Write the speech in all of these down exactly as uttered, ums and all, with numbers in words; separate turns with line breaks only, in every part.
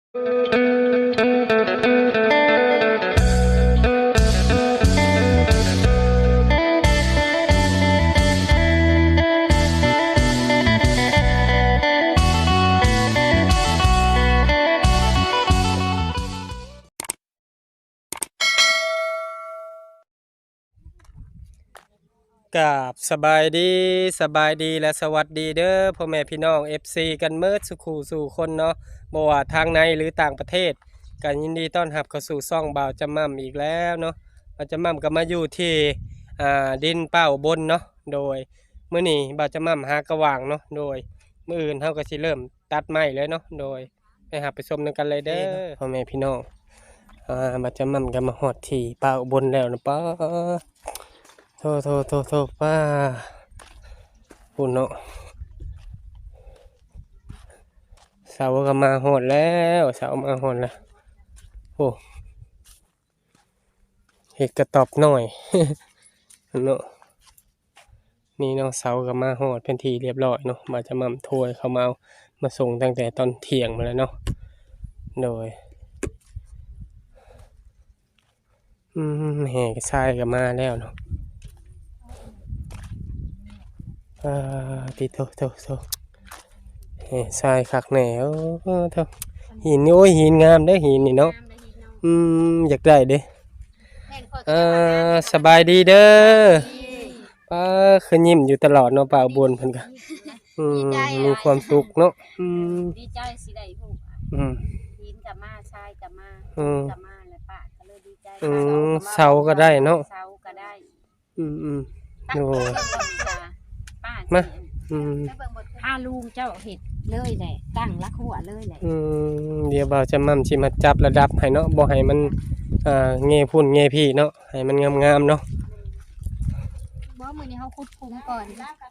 กับสบายดีสบายดีและสวัสดีเด้อพ่อแม่พี่น้อง เอฟ ซี กันเมิดสุขูสู่คนเนาะบ่ว่าทางในหรือต่างประเทศกันยินดีต้อนรับเข้าสู่ซ่องบ่าวจำม่ำอีกแล้วเนาะบ่าวจำม่ำก็มาอยู่ที่อ่าดินเป้าบนเนาะโดยมื้อนี้บ่าวจำม่ำหากระหว่างเนาะโดยมื้ออื่นเฮาก็สิเริ่มตัดไม้เลยเนาะโดยไปหาไปชมนำกันเลยเด้อพ่อแม่พี่น้องอ่าบ่าวจำม่ำก็มาฮอดที่เป้าบนแล้วนะป้าโทษโทษโทษโทษป้าปุ่นเนาะเสาก็มาหดแล้วเสามาหดแล้วโอ้เห็ดกระตอบหน่อยเนาะนี่เนาะเสาก็มาหดเป็นทีเรียบร้อยเนาะมาจะมั่มถ้วยเขามาเอามาส่งตั้งแต่ตอนเที่ยงมาแล้วเนาะโดยอืมแห่ทรายก็มาแล้วเนาะอ่าติโตโตโตแห่ทรายคักแหน่โอ้เท่าหินนี่โอ้ยหินงามเด้อหินนี่เนาะอืมอยากได้เด้อ่าสบายดีเด้อป้าคือยิ้มอยู่ตลอดเนาะป่าวบนเพิ่นก็อืมมีความสุขเนาะอืม
ดีใจสิได้ฮู้
อืม
หินกับมาทรายกับมากับมาแล้วป้าก็เลยดีใจ
อืมเสาก็ได้เนาะ
เสาก็ได้
อืมอืม
โอ้ป้า
มาอืม
ถ้าลุงเจ้าเฮ็ดเลยแหละตั้งรักหัวเลยแหละ
อืมเดี๋ยวบ่าวจะมั่มสิมาจับระดับให้เนาะบ่ให้มันอ่าเงยพุ่นเงยพี่เนาะให้มันงามๆเนาะ
บ่มื้อนี้เฮาขุดคุมก่อน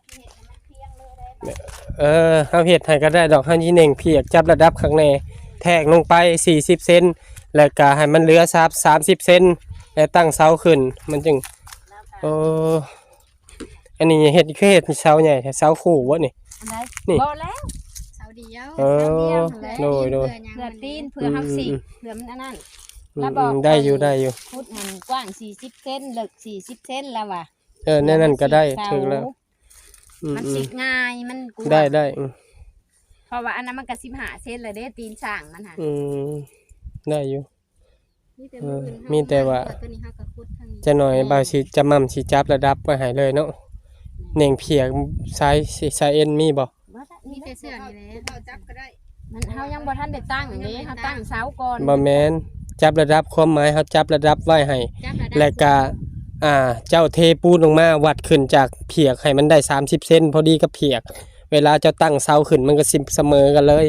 เออเฮาเฮ็ดให้ก็ได้ดอกเฮาสิเน่งเพียกจับระดับข้างในแทกลงไปสี่สิบเซนแล้วก็ให้มันเหลือซับสามสิบเซนแล้วตั้งเสาขึ้นมันจึงโอ้อันนี้เฮ็ดคือเฮ็ดเสาใหญ่เสาคู่บ่นี่
นี่บ่แล้วเสาเดียว
เออโดยโดย
เพื่อตีนเพื่อเฮาสิเพื่อมันอันนั้น
แล้วบอกได้อยู่ได้อยู่
ขุดมันกว้างสี่สิบเซนลึกสี่สิบเซนแล้วว่ะ
เออนั่นก็ได้ถึงแล้ว
มันสิง่ายมัน
ได้ได้
เพราะว่าอันนั้นมันก็สิบห้าเซนเลยเด้ตีนช่างมันหา
อืมได้อยู่มีแต่ว่าจะหน่อยบางสิจะมั่มสิจับระดับไว้ให้เลยเนาะเน่งเพียกสายสายเอ็นมีบ่
มีแต่เสื้อนี่แหละเฮาจับก็ได้มันเฮายังบ่ทันได้ตั้งนี่เฮาตั้งเสาก่อน
บ่แม่นจับระดับความหมายเฮาจับระดับไว้ให้แล้วก็อ่าเจ้าเทปูนลงมาวัดขึ้นจากเพียกให้มันได้สามสิบเซนพอดีกับเพียกเวลาเจ้าตั้งเสาขึ้นมันก็สิเสมอกันเลย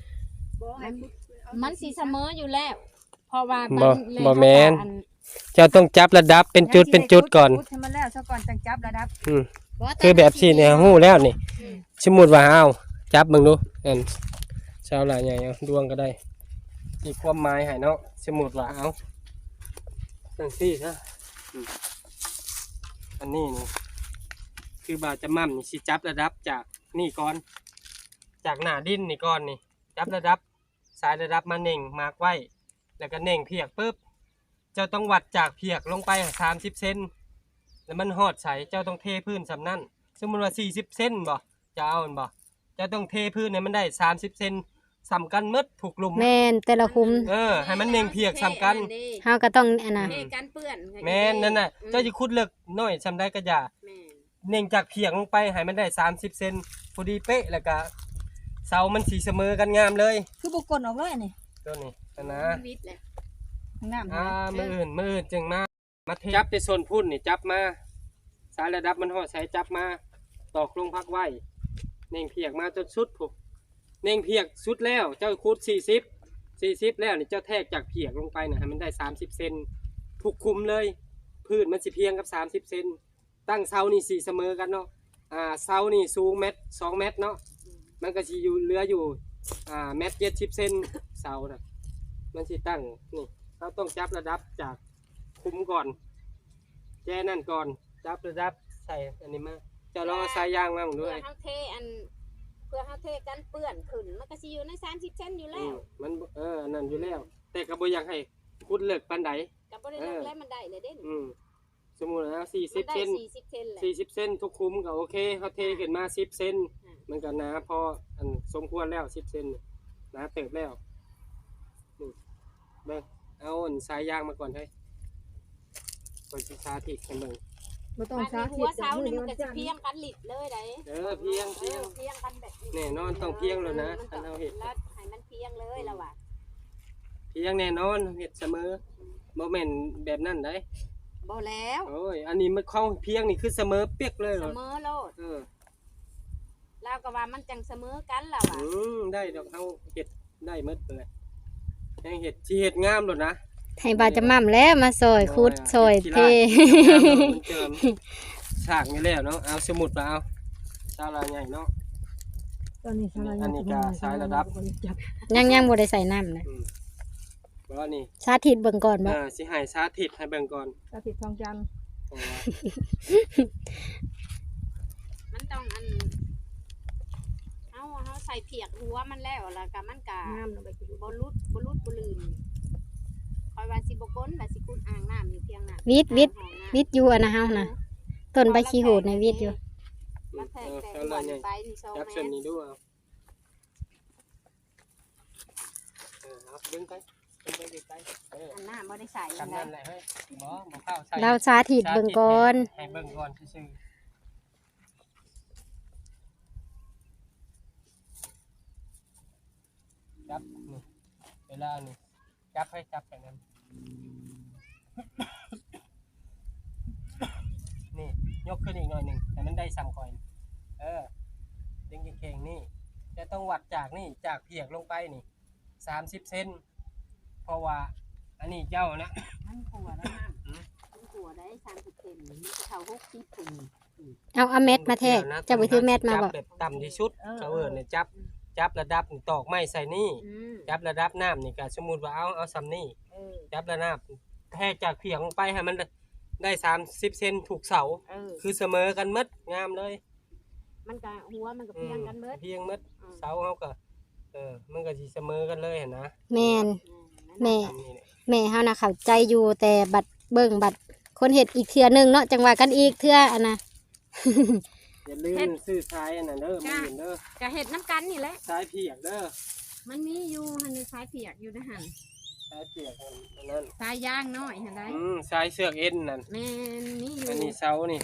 มันสิเสมออยู่แล้วเพราะว่า
บ่บ่แม่นเจ้าต้องจับระดับเป็นจุดเป็นจุดก่อน
ให้มันแล้วซะก่อนจังจับระดับ
อืมคือแบบสี่เนี่ยฮู้แล้วนี่สมมุติว่าเอาจับเบิ่งดูนั่นเสาหลายใหญ่เอาดวงก็ได้อีกความหมายให้เนาะสมมุติว่าเอาจังซี่ซะอันนี้นี่คือบ่าวจะมั่มนี่สิจับระดับจากนี่ก่อนจากหน้าดินนี่ก่อนนี่จับระดับสายระดับมาเน่งมาร์กไว้แล้วก็เน่งเพียกปุ๊บเจ้าต้องวัดจากเพียกลงไปสามสิบเซนแล้วมันหอดใสเจ้าต้องเทพื้นสำนั่นสมมติว่าสี่สิบเซนบ่จะเอาบ่เจ้าต้องเทพื้นให้มันได้สามสิบเซนสำกันมดถูกลุม
แม่นแต่ละคุม
เออให้มันเน่งเพียกสำกัน
เฮาก็ต้องอันน่ะ
แม่นนั่นน่ะเจ้าจะขุดเลือกน้อยสำได้ก็อย่าเน่งจากเพียกลงไปให้มันได้สามสิบเซนพอดีเป๊ะแล้วก็เสามันสีเสมอกันงามเลย
คือบุกกลออกเลยนี่
ตัวนี้นะอ่ามืออื่นมืออื่นจึงมามาจับในโซนพุ่นนี่จับมาสายระดับมันหอดใส่จับมาตอกลงพักไว้เน่งเพียกมาจนสุดผูกเน่งเพียกสุดแล้วเจ้าคูดสี่สิบสี่สิบแล้วนี่เจ้าแทกจากเพียกลงไปนะให้มันได้สามสิบเซนถูกคุมเลยพื้นมันสิเพียงกับสามสิบเซนตั้งเสานี่สี่เสมอกันเนาะอ่าเสานี่สูงเมตรสองเมตรเนาะมันก็สิอยู่เหลืออยู่อ่าเมตรเจ็ดสิบเซนเสาน่ะมันสิตั้งนี่เราต้องจับระดับจากคุมก่อนแจ้นั่นก่อนจับระดับใส่อันนี้มาจะลองเอาสายยางมาด้วย
เฮาเทอันพื่อเฮาเทกันเปื้อนขึ้นมันก็สิอยู่ในสามสิบเซนอยู่แล้ว
มันเอออันนั้นอยู่แล้วแต่ก็บ่อยากให้ขุดเลิกปานใด
ก็บ่ได้เลิกแล้วมันได้เลยเด้
อืมสมมุตินะสี่สิบเซน
สี่สิบเซนแหละ
สี่สิบเซนทุกคุ้มก็โอเคเฮาเทขึ้นมาสิบเซนมันก็หนาพออันสมควรแล้วสิบเซนหนาเติบแล้วนี่เบิ่งเอาอันสายยางมาก่อนเฮ้ยก่อนสิสาธิตให้เบิ่ง
บ่ต้อง
มัน
สา
มี
ธิ
หัว
ต
เสานี่มันก็สิเพียงกันลิดเลยได้
เออเพียง
เอ
เพียง
อเพียงกันแบบนี้
แน่นอนต้องเพียงแล้วนะ
มัน
คั
ต้อน ง
เอาเฮ็ด
แล้วให้มันเพียงเลยแล้วว่ะ
เพียงแน่นอนเฮ็ดเสมอบ่แม่นแบบนั้นได้
บ่แล้ว
โอ้ยอันนี้มันเข้าเพียงนี่คือเสมอเปียกเลยเห
เส
รอ
มอโลด
เออ
แล้วก็ว่ามันจังเสมอกันแล้วว่ะ
อืมได้ดอกเฮาเฮ็ดได้หมดเลยแฮงเฮ็ดสิเฮ็ดงามโลดนะ
ให้บาจะม่ำแล้วมาซอยคุดซอยเท
มันเจิมฉากนี่แล้วเนาะเอาสมุดมาเอาซาลาใหญ่เนาะ
ตอนนี้สา
อันนี้ก็สายระดับ
จับ
ยังยังบ่ได้ใส่น้ำนะ
อืมบ่ว่านี่
สาธิตเบิ่งก่อนบ่
เออสิให้สาธิตให้เบิ่งก่อน
สาธิตทองจันทร์
เพราะว่า
มันต้องอันเฮาเฮาใส่เพียกหัวมันแล้วแล้วก็มันก็
งามลงไปกิน
บ่ลุดบ่ลุดบ่ลื่นคอยว่าสิบ่ก้นว่าสิกุดอ่างน้ำอยู่เพียงน่ะ
วิทย์วิทย์
อ่างน้ำ
วิทย์อยู่อะนะเฮานะต้นใบขี้โหดในวิทย์อยู่
แล้วแท
เองอ
แต่
ซา
หัว
ลาใหญ่
ไปนี่สอง
จับ
เม
เส้น
ตร
นี้ดูเอาเออเอาดึงไปดึงไปไกลๆเออ
อันน้ำบ่ได้ใส่
ทำนั่นแหละเฮ้ยบ่บ่เข้าใส่
เราสาธิตเบิ่งก่อน
ให้เบิ่งก่อนซื่อๆจับนี่เวลานี่จับให้จับแบบนั้นนี่ยกขึ้นอีกหน่อยหนึ่งแต่มันได้ซ้ำก่อนเออดึงเข่งๆนี่จะต้องวัดจากนี่จากเพียกลงไปนี่สามสิบเซนเพราะว่าอันนี้เจ้านะ
มันขัวแล้วน้ำมันขัวได้สามสิบเซนมันจะเท่าหกสิบปุ่ม
เอาเอาเม็ดมาแทกเจะไปถือเม็ดมาบ่
จับแบบต่ำที่สุดเขาเอิ้นเนี่ยจับจับระดับนี่ตอกไม้ใส่นี่
อืม
จับระดับน้ำนี่ก็สมมุติว่าเอาเอาซ้ำนี่
เออ
จับระดับแทกจากเพียงลงไปให้มันได้สามสิบเซนถูกเสา
เออ
คือเสมอกันหมดงามเลย
มันก็หัวมันก็เพียงกันเบิด
เพียงหมดเสาเขาก็เออมันก็สิเสมอกันเลยเห็นนะ
แม่น
อืม
แม่
ทำนี่เนี่ย
แม่เฮานะเข้าใจอยู่แต่บัดเบิ่งบัดคนเฮ็ดอีกเทื่อหนึงเนาะจังว่ากันอีกเทื่ออันน่ะ
อย่าลืมซื้อทรายอันนั้นเด้อมืออื่นเด้อ
ก็เห็ดน้ำกันนี่แหละ
ทรายเพียกเด้อ
มันมีอยู่หันในสายเปียกอยู่นะหัน
ทรายเพียกอันนั้น
สายย่างน้อยหันได้
อืมทรายเสือกเอ็นนั่น
แม่นมีอยู่
อันนี้เสานี่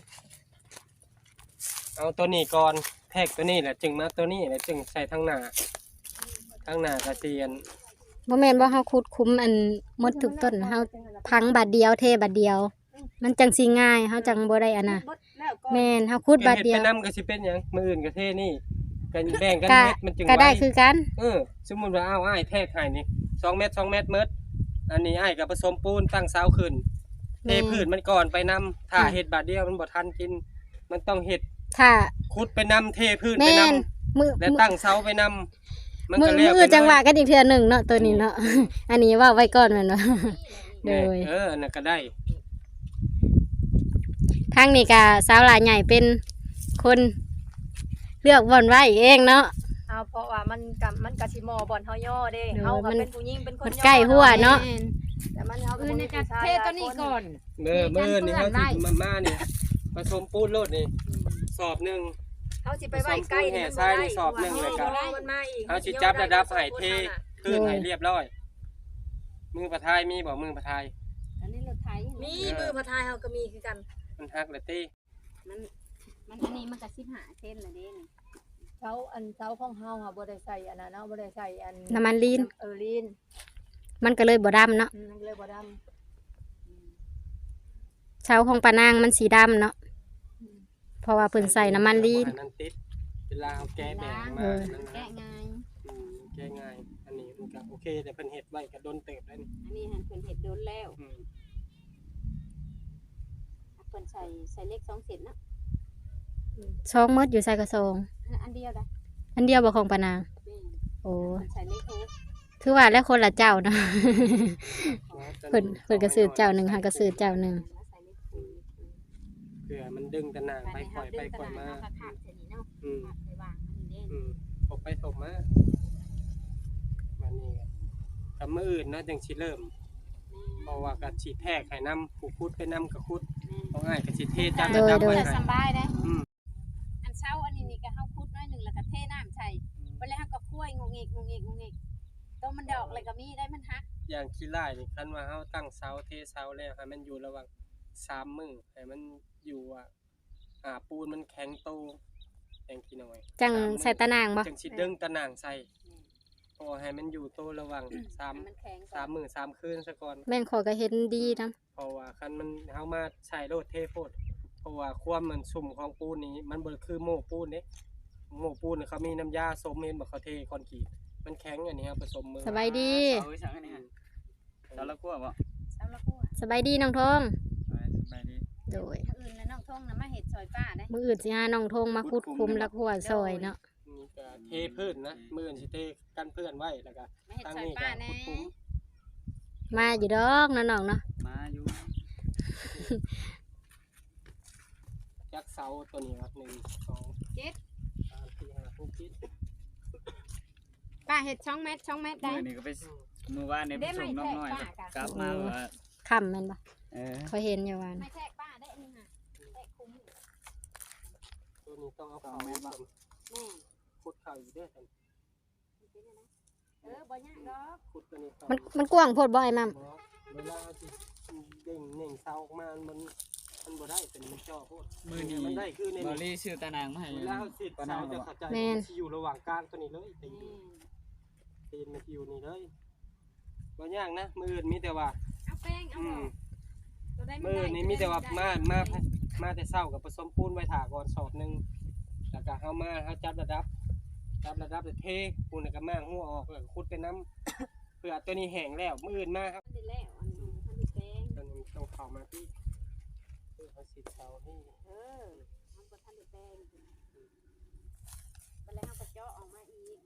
เอาตัวนี้ก่อนแทกตัวนี้แหละจึงมาตัวนี้แหละจึงใส่ทั้งหน้าทั้งหน้ากระเทียน
บ่แม่นว่าเฮาขุดคุ้มอันหมดทุกต้นเฮาพังบัดเดียวเทบัดเดียว มันจังสิง่ายเฮาจังบ่ได้อันน่ะ
บดแล้วก็
แม่นเฮาขุดบัดเดียว
ไปนำก็สิเป็นหยังมืออื่นก็เทนี่กันแบ่งกัน
ก็
เม็ดมันจึง
ก็ได้
ว้
คือกัน
เออสมมุติว่าเอาอ้ายแทกให้นี่สองเม็ดสองเม็ดเมดอันนี้อ้ายก็ผสมปูนตั้งเสาขึ้นเท
แม่
พืชมันก่อนไปนำถ้า
ค่ะ
เฮ็ดบาดเดียวมันบ่ทันกิน มันต้องเฮ็ด
ถ้า
ขุดไปนำเทพืชไป
แม่
นำ
นมือ
และตั้งเสาไปนำมัน
มื
ก็
อ
แล้ว
มือจังหวะกันอีกเทื่อหนึงเนาะตัวนี้เนาะ อันนี้ว่าไว้ก่อนแม่นบ่ โดย
เออน่ะก็ได้
ทางนี้ก็สาวหลายใหญ่เป็นคนเลือกบ่อนไว้เองเนาะ
เอาเพราะว่ามันกับมันกะสิหมอบ่อนเฮาย่อเด้
เออ
เฮาก็
มัน
เป็นผู้หญิงเป็นคน
มัน
ย่อ
ใกล้หัวเนาะ
แม่น
แต่มันเฮาก็
เออ
บ่
ใน
มี
กา
ผู้ชาย
เทตัวนี้ก่อน
เมื่อ
มี
เมื่อ
การ
นี่
เปื้
เขา
อนไว้
สิมามานี่ผสมปูนโลดนี่สอบหนึ่ง
เฮาสิไปไว้ใกล้
แห่ทรายในสอบหนึ่งเลยครับ
มันมาอีก
เขาสิจับระดับให้เทขึ้นให้เรียบร้อย มือประทายมีบ่มือประทาย
อันนี้รถไถ
มีมือพระทายเฮาก็มีคือกัน
มันฮักเลยตี
มันมันอันนี้มันก็สิบห้าเซนละเด้นี่
เสาอันเสาของเฮาค่ะบ่ได้ใส่อันนั้นเนาะบ่ได้ใส่อัน
น้ำมันลีน
เออลีน
มันก็เลยบ่ดำเนาะ
อืมมันเลยบ่ดำ
เช้าของปานางมันสีดำเนาะเพราะว่าเพิ่นใส่น้ำมันลีน
นั่นติดเวลาเอาแก้แบ่งมา
เออ
นั่น
แกะ
นะ
ง่าย
อืมแก้ง่าย อันนี้มันก็โอเคแต่เพิ่นเฮ็ดไว้ก็โดนเติบแล้วนี่
อันนี้หันเพิ่นเห็ดโดนแล้ว
อืม
เพิ่นใส่ใส่เลขสองเซนเนาะ
ซองหมดอยู่ใส่กระซอง
อันอันเดียวได้
อันเดียวบ่ของปานาง
แม่น
โอ้
เพิ่นใส่เลขหก
คือว่าแล้วคนละเจ้าเนาะ
อ๋อแต่
เพิ่นเพิ่นก็ซื้อเจ้าหนึงหาก็ซื้อเจ้าหนึง
แล้วใส่เลขหก
เผื่อมันดึงตะนางไป
ไป
ปล่อยไป
เฮาดึง
ปล่อยมา
ตะนางเฮาก็ขาดเสร็จนี่เนาะ
อืม
ขาดไปวางมันนี่เด้
อืมไปถมมามันนี่กับมืออื่นเนาะจังสิเริ่มเพราะว่ากับสิแทกให้นำผู้คุดไปนำกับคุดเอาง่ายกับสิเทจัง
โด
ระ
ย
ดับ
โด
ไว้
ย
ให้
สบายได้
อืม
อันเช้าอันนี้นี่ก็เฮาคุดน้อยหนึงแล้วก็เทน้ำใส่บ่แล้วเฮาก็คั่วงงเงกงงเงกงงเงกต้มมันดอกเลยก็มีได้มันฮัก
อย่างขี้ไล่นี่คันว่าเฮาตั้งเสาเทเสาแล้วให้มันอยู่ระหว่างสามมื้อให้มันอยู่อ่ะอ่าปูนมันแข็งโตอย่างขี้น้อย
จัง
สามมื้อ
ใส่ตะนางบ่
จังสิดึงตะนางใส่เพอให้มันอยู่โตระหว่างสาม
ให้มันแข็ง
สามมื้อสามคืนซะก่อน
แม่นขอยก็เห็นดีนํ
เพราะว่าคันมันเฮามาใช้โลดเทโพดเพราะว่าความมันสุ่มของปูนนี้มันบ่คือโม่ปูนเด้โม่ปูนน่ะเขามีน้ำยาสมเห็นบ่เขาเทคอนกรีตมันแข็งอันนี้ครับผสมมือ
สบายดี
เสาอีสังอันนี้ฮะเสาละกั้วบ่
เช้าละคั่ว
สบายดีน้องทง
สบายดี
โดย
มื้ออื่นแล้วน้องทงน่ะมาเฮ็ดซอยป้าได้
มื้ออื่นสิหาน้องทงมาขุดคุมแล้วหัวซอยเนาะ
นี่ก็เทพื้นนะมื้ออนสิเทกันเพื่อนไว้แล้วก็
มาเฮ็ด
ตั้ง
ซอย
นี่
ป้า
ก็
แน่
ขุดคุ้ม
มาอยู่ดอกเนาะน้องเนาะ
มาอยู่
ยักษ์เสาตัวนี้ครับหนึ่ง สอง
เจ็ด
สามสี่ห้าหกเจ็ด
ป้าเฮ็ดช่องเม็ดช่องเม็ดได้
มื้อนี้ก็ไปมื้อวานนี่ไปส่งน้องน้อยกลับมาว่า
ค่ำแม่นบ่
เออ
ขอยเห็นอยู่วัน
ไม่แทกป้าได้อันนี้ค่ะแทกคุ้ม
ตัวนี้ต้องเอาเข่าผสม
แม่
ขุดเข่าอยู่เด้วยกัน
เออบ่ยากดอก
ขุดตัวนี้เข่า
มันมันกว้างโพดบ่ไอ้มัม
บ่เวลาที่เด้งเน่งเสาออกมามันมันบ่ได้เป็นมันจ่อโพด
มื้อนี้
มันได้คือใน
บอ
นี้
ลี่ชื่อตานางมาให้
เวลาเขาสิ
ปา
เสา
นา
จะ
บ่
เข้าใจมันสิอยู่ระหว่างกลางตัวนี้เลยตีน
แม่
ตีนมันสิอยู่นี่เลยบ่ยากนะมืออื่นมีแต่ว่า
เอาแป้งเอา
อื
บ่
ม
ตัวใด
มือนี่มีแต่ว่ามามามาแต่เช้ากับผสมปูนไว้ถาก่อนสอบหนึงแล้วก็เฮามาเฮาจับระดับจับระดับแล้วเทปูนแล้วก็มางหัวออกแล้วก็ขุดไปน้ำเพื่อตัวนี้แห้งแล้วมืออื่นมาครับ
มันได้แล้วอันนี้มันได้แป้ง
ตอนนี้ต้องเข้ามาที่เพื่อเขาสิเสาให้
เออมันบ่ทันได้แป้งบ่แล้วเฮาก็เจาะออกมาอีก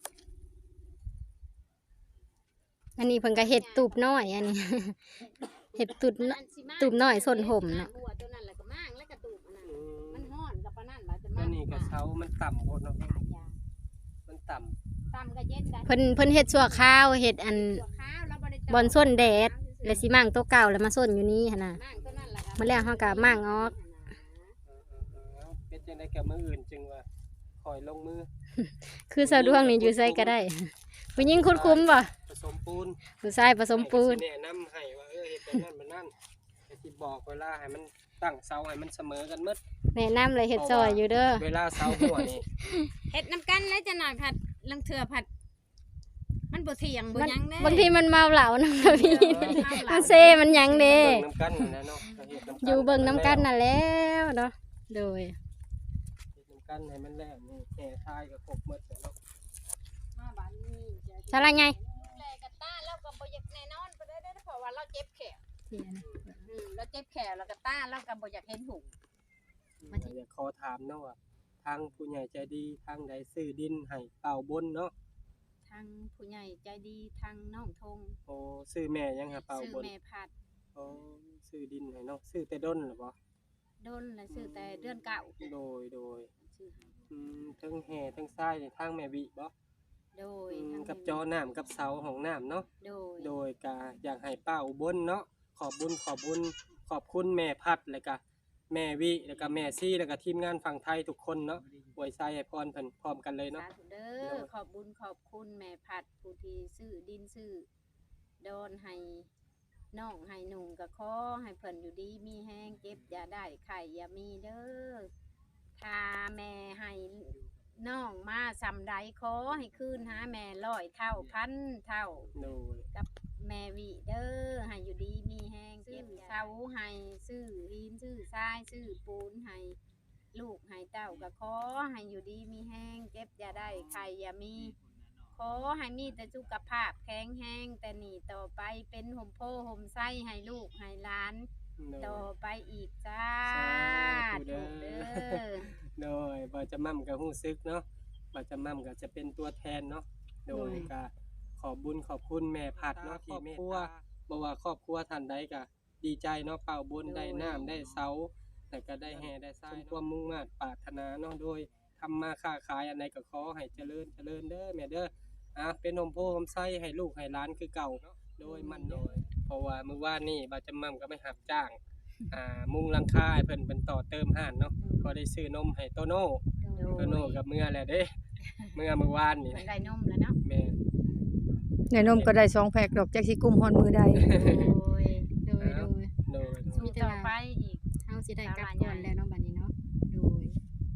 อันนี้เพิ่นก็เฮ็ดตูบน้อยอันนี้ เฮ็ดตูบน้อย ตูบน้อยส้นห่มน่ะ
หัวตัวนั้นแล้วก็มางแล้วก็ตูบอันนั้น
อืม
มันฮ้อนกับปานนั้นว่าจะ
ตัว
มาง
นี้ก็เสามันต่ำโคตรเนาะ
ขายา
มันต่ำ
ตำก็เย็นได้
เพิ่นเพิ่นเฮ็ดชั่วคราวเฮ็ดอัน
ตัวขาวแล้วบ่ได้เจาะ
บอนส้นแดด แล้วสิมั่งตัวเก่าแล้วมาส้นอยู่นี่หั่นน่ะ
มางตัวนั้นล่ะก็
มื้อแรกเฮาก็มั่งออก
เออเออเออเป็นจังได๋กับมืออื่นจึงว่าคอยลงมือ
คือสะดวกนี่อยู่ไสก็ได้ผู้หญิงขุดคุมบ่
ผสมปูน
ผู้ชายผสมปูน
ให้ก็สิแนะนำให้ว่าเออเฮ็ดแบบนั้นแบบนั้นก็สิบอกเวลาให้มันตั้งเสาให้มันเสมอกันหมด
แนะนำเลยเฮ็ดซอยอยู่เด้อ
เวลาเสาหัวนี่
เฮ็ดน้ำกันแล้วจะหน่อยผัดลังเถื่อผัด มันบ่เที่ยงบ่
มัน
หยังเด้
บางทีมันเมาเหล้านะพี่ มันเซมันหยังเด้
เบิ่งน้ำกันนั่นนะเนาะก็เฮ็ดน้ำกัน
อยู่เบิ่งน้ำกันน่ะแล้วเนาะโดย
เฮ็ดน้ำกันให้มันแล้วนี่แห่ทายก็ครบหมดแล้วเนาะ
มาบ้านนี้จะ
สาระไง
แลกะตาแล้วก็บ่อยากแน่นอนบ่ได้เด้อเพราะว่าเราเจ็บแขนอืมเราเจ็บแขนแล้วก็ตาเราก็บ่อยากเห็นหุง มาที่
อยากขอถามเนาะว่าทางผู้ใหญ่ใจดีทางใดซื้อดินให้เป่าบนเนาะ
ทางผู้ใหญ่ใจดีทางน้องทง
โอ้ซื้อแม่ยังหาเป่า
ซื้อบ
น
แม่ผัด
โอ้ซื้อดินให้เนาะซื้อแต่ดนหรือบ่
ดนและซื้อแต่เดือนเก่า
โดยโดย
ซื้อให้
อืมทั้งแห่ทั้งทรายนี่ทางแม่บิบ่
โดย
อืม
ทาง
กับจอน้ำกับเสาของน้ำเนาะ
โดย
โดยกาอยากให้ป้าอุบลเนาะขอบบุญขอบบุญขอบคุณแม่พัดแล้วก็แม่วิแล้วก็แม่ซี่แล้วก็ทีมงานฝั่งไทยทุกคนเนาะอวยใจให้พรเพิ่นพร้อมกันเลยเนาะ
สาธุเด้อขอบบุญขอบคุณแม่ผัดผู้ที่ซื้อดินซื้อดอนให้น้องให้หนุ่งก็ขอให้เพิ่นอยู่ดีมีแห้งเก็บอย่าได้ไข่อย่ามีเด้อถ้าแม่ให้น้องมาสำใดขอให้คืนหาแม่ร้อยเท่าพันเท่า
โดย
กับแม่วิเด้อให้อยู่ดีมีแห้งเก็บเสาให้ซื้อหินซื้อทรายซื้อปูนให้ลูกให้เต้าก็ขอให้อยู่ดีมีแห้งเก็บอย่าได้ไข่อย่ามีขอให้มีแต่สุขภาพแข็งแรงแต่นี่ต่อไปเป็นห่มโพห่มไส้ให้ลูกให้หลาน
โด
ต่อย ไปอีกจ้า
สาธุ
ถูก
เด้
เด้
อ
อ
โดยบ่จะมั่มก็ฮู้ซึกเนาะบ่จะมั่มก็จะเป็นตัวแทนเนาะโดยก็ขอบบุญขอบคุณแม่พัดเนาะที่เมตตาบ่ว่าครอบครัวท่านใดก็ดีใจเนาะเป่าบุญได้น้ำได้เสาแต่ก็ได้แห่ได้ทรายความมุ่งมั่นปรารถนาเนาะโดยทำมาค้าขายอันใดก็ขอให้เจริญเจริญเด้อแม่เด้ออ่ะเป็นนมโพนมไส้ให้ลูกให้หลานคือเก่าโดยมันโดยเพราะว่ามื้อวานนี่บ่าวจำมั่มก็ไม่หับจ้างอ่ามุงหลังคาให้เพิ่นเป็นต่อเติมห้านเนาะก็ได้ซื้อนมให้โตโน่โตโน่กับเมื่อแหละเด้เมื่อมื้อวานนี่
เพิ่นได้นมแล้วเนาะ
แม่
ในนมก็ได้สองแพ็คดอกจักสิกุมฮอดมือใด
โอ้ย
โดยโดย
โดย
สู้ต่อไปอีก
เฮาสิได้กลับก่อนแล้วเนาะบัดนี้เนาะโดย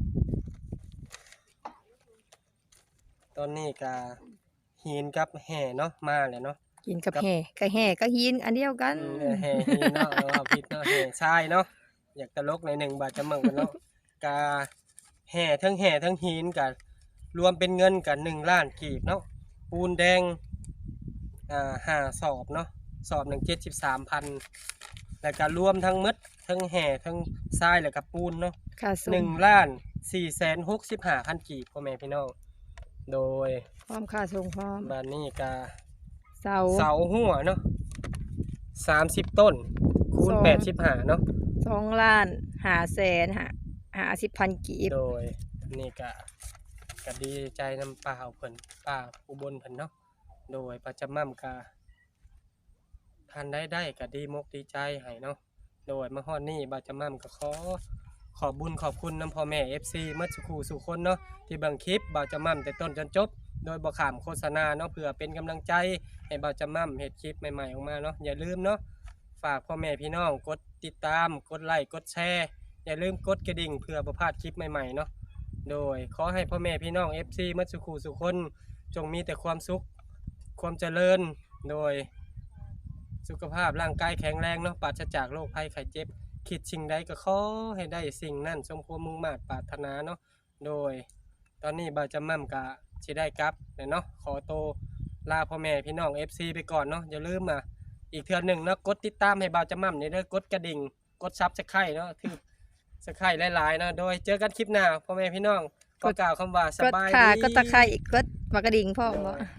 ตอนนี้ก็หินกับแห่เนาะมาแล้วเนาะ
กินกับแห่ก็แห่ก็หินอันเดียวกัน
อืมแห่หินเนาะเอาผิดเนาะแห่ทรายเนาะอยากตลกในอยหนึ่งบาทจะมั่งกันเนาะกาแห่ทั้งแห่ทั้งหินกันรวมเป็นเงินกันหนึ่งล้านกีบเนาะปูนแดงอ่าห้าสอบเนาะสอบหนึ่งเจ็ดสิบสามพันแล้วก็รวมทั้งหมดทั้งแห่ทั้งทรายแล้วก็ปูนเนาะ
ค่าส่
หนึ่
ง
งล้านสี่แสนหกสิบห้าพันกีบพ่อแม่พี่น้องโดย
พร้อมค่าส่งพร้อม
บ้านนี้กา
เสา
เสาหัวเนาะสามสิบต้นคูณ
สอง
แปดสิบห้าเนาะ
สองล้านห้าแสนห้าห้าสิบพันกีบ
โดยนี่ก็ก็ดีใจนำป่าวเพิ่นป่าอุบลเพิ่นเนาะโดยประจำมั่มกาท่านได้ได้ก็ดีมกดีใจให้เนาะโดยมาฮอดนี่บาจำมั่มก็ขอขอบบุญขอบคุณนำพ่อแม่ เอฟ ซี มัดสุขูสุคนเนาะที่เบิ่งคลิปบาจำมั่มแต่ต้นจนจบโดยบ่ขามโฆษณาเนาะเพื่อเป็นกำลังใจให้บาจำมั่มเฮ็ดคลิปใหม่ๆออกมาเนาะอย่าลืมเนาะฝากพ่อแม่พี่น้องกดติดตามกดไลค์กดแชร์อย่าลืมกดกระดิ่งเพื่อบ่พลาดคลิปใหม่ๆเนาะโดยขอให้พ่อแม่พี่น้อง เอฟ ซี มัดสุขูสุคนจงมีแต่ความสุขความเจริญโดยสุขภาพร่างกายแข็งแรงเนาะปราศจากโรคภัยไข้เจ็บคิดสิ่งใดก็ขอให้ได้สิ่งนั้นสมความมุ่งมา่ปรารถนาเนาะโดยตอนนี้บ่าวจำมั่มกะสิได้กลับเนาะขอโตวลาพ่อแม่พี่น้อง เอฟ ซี ไปก่อนเนาะอย่าลืมอ่ะอีกเทื่อหนึ่งเนาะกดติดตามให้บ่าวจำมั่มนี่เด้อกดกระดิ่งกดซับสไครต์เนาะที่สไครต์หลายๆเนาะโดยเจอกันคลิปหน้าพ่อแม่พี่น้องก็กล่าวคำว่าส
กด
บาย
ขา
ดี
กดตะไคร้กดมากระดิ่งพร้อมบ่